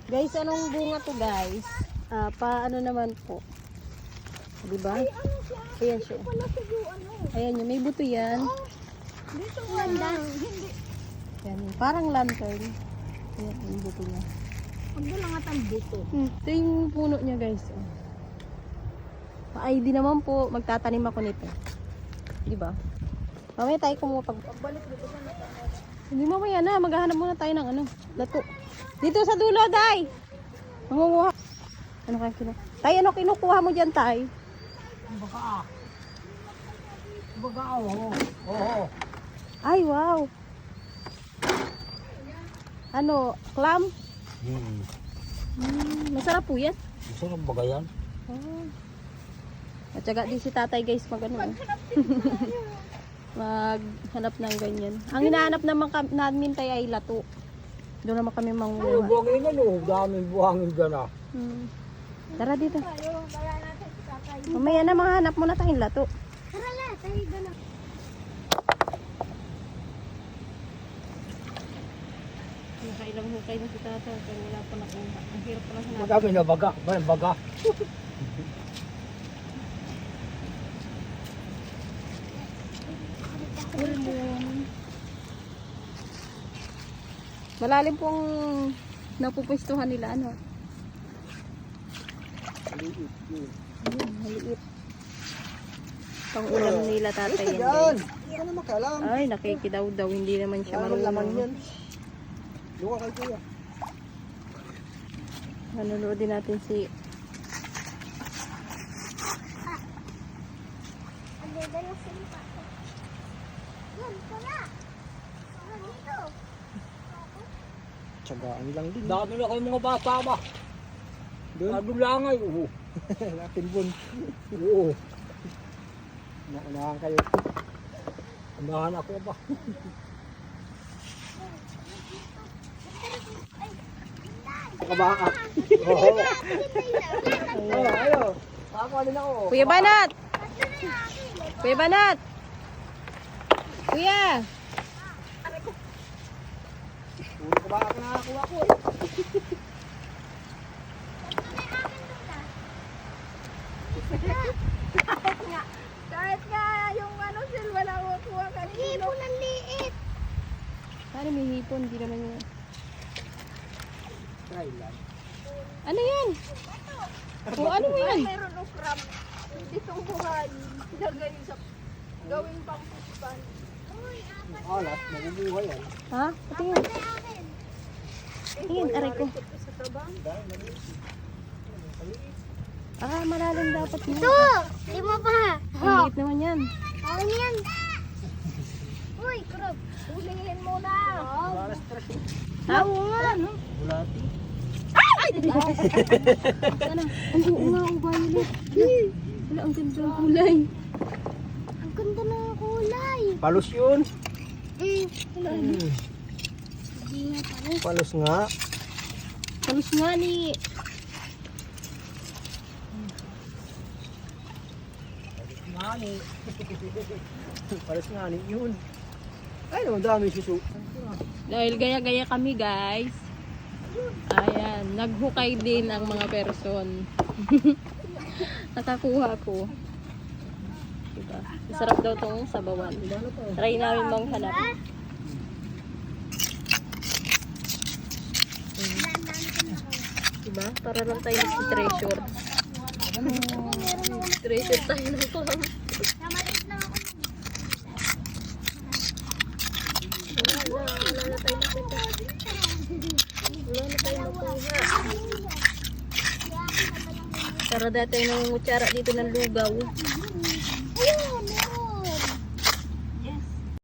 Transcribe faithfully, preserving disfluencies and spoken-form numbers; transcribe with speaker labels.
Speaker 1: Guys, anong bunga to guys? Ah, paano naman po? Di ba?
Speaker 2: Ay, ano siya?
Speaker 1: Ayan siya.
Speaker 2: Ito pala siya yung ano.
Speaker 1: Ayan yun, may buto yan.
Speaker 2: Oh, dito wala. Hindi.
Speaker 1: Yan, parang lantern. Ayan, yung buto niya.
Speaker 2: Huwag na lang atang dito.
Speaker 1: Hmm, ito yung puno niya guys. Oh. Pa-I D naman po, magtatanim ako nito. Di ba? Mamaya tayo kumuha pag...
Speaker 2: Pagbalik dito sa mata.
Speaker 1: Hindi mamaya na, maghahanap muna tayo ng ano, lato. Dito sa dulo, Day! Mangunguha. Ano kaya kinuha? Tay, ano kinukuha mo dyan, Tay?
Speaker 3: Baga. Baga, oo. Oo.
Speaker 1: Ay, wow! Ano, clam?
Speaker 3: Hmm.
Speaker 1: Hmm, masarap po yan.
Speaker 3: Masarap baga yan.
Speaker 1: Oh. At saka di si tatay guys mag ano. Maghanap ng ganyan. Ang hinahanap naman kam- namin tayo ay lato. Doon naman kami
Speaker 3: Ay,
Speaker 1: manguha.
Speaker 3: buhangin ano. Daming buhangin dyan ah.
Speaker 1: Hmm. Tara dito.
Speaker 2: Tayo, kaya natin si tatay.
Speaker 1: Mamaya na mahanap muna tayong lato.
Speaker 2: Tara na, tayo na.
Speaker 1: Nakailang hukay na si tatay kaya wala pa nakuha. Ang hirap pa lang hanap.
Speaker 3: Madami na baga. May baga.
Speaker 1: Malalim pong napupwestuhan nila ano.
Speaker 3: Maliit yun.
Speaker 1: Ayun, maliit. Pang ulam nila tatay yan.
Speaker 3: Yan.
Speaker 1: Guys.
Speaker 3: Hindi ka na makalam.
Speaker 1: Ay, nakikidaw daw. Hindi naman siya
Speaker 3: Ano laman yan?
Speaker 1: marunong.
Speaker 3: Luka kay kuya.
Speaker 1: Nanonood din natin si...
Speaker 2: Ang ganda ng simpa. Yan, tara. Tara dito.
Speaker 3: Tsagaan lang din. Dami na kayo mga bata ba? Doon? Ano lang ay. Oo. Natin bun. Oo. Naunahan kayo. Unahan ako ba? Kabaka. Oo. Ayo, ayo. Ako din ako.
Speaker 1: Kuya Banat! Kuya Banat! Kuya!
Speaker 3: Puro kabaka na nakakuha ko eh.
Speaker 2: Kahit nga, kahit nga yung ano sil, wala ko kuha kanino. Hipon ang liit.
Speaker 1: Paano may hipon? Hindi naman yun.
Speaker 3: Try lang.
Speaker 1: Ano yan? O ano mo yan?
Speaker 2: Mayroon ng crab. Ditong buhay. Ilagay sa gawing pang puspan. Uy, apat
Speaker 3: Alat, mabubuhay yan.
Speaker 1: Ha? Patingin. Tingin, aray ko.
Speaker 2: sa tabang.
Speaker 1: Ah, malalim dapat mo.
Speaker 2: Ito! Lima pa.
Speaker 1: Ang liit naman yan.
Speaker 2: Ano yan? Uy, crab. Hulihin mo na.
Speaker 3: Para stress eh.
Speaker 1: Ha? Oo nga.
Speaker 3: Bulati.
Speaker 1: Ano? Ang oo nga, ang violet. Wala, ang ganda ng kulay.
Speaker 2: Ang ganda ng kulay.
Speaker 3: Palos yun.
Speaker 2: Mm.
Speaker 3: Hmm.
Speaker 2: Hindi nga pala.
Speaker 3: Palos nga.
Speaker 1: Kalos nga ni...
Speaker 3: Ngani. Palos ngani yun. Ay, naman dami susu.
Speaker 1: Dahil gaya-gaya kami guys. Ayan, naghukay din ang mga person. Nakakuha ko. Diba? Masarap daw tong sabawan. Try namin manghanap. Hmm. Diba? Para lang tayo mag-treasure. Treasure tayo ng clam.
Speaker 2: Namalit na ako.
Speaker 1: Wala na, wala na tayo nakita. Wala na tayo nakuha. Tara dati yung nangungutsara dito ng lugaw.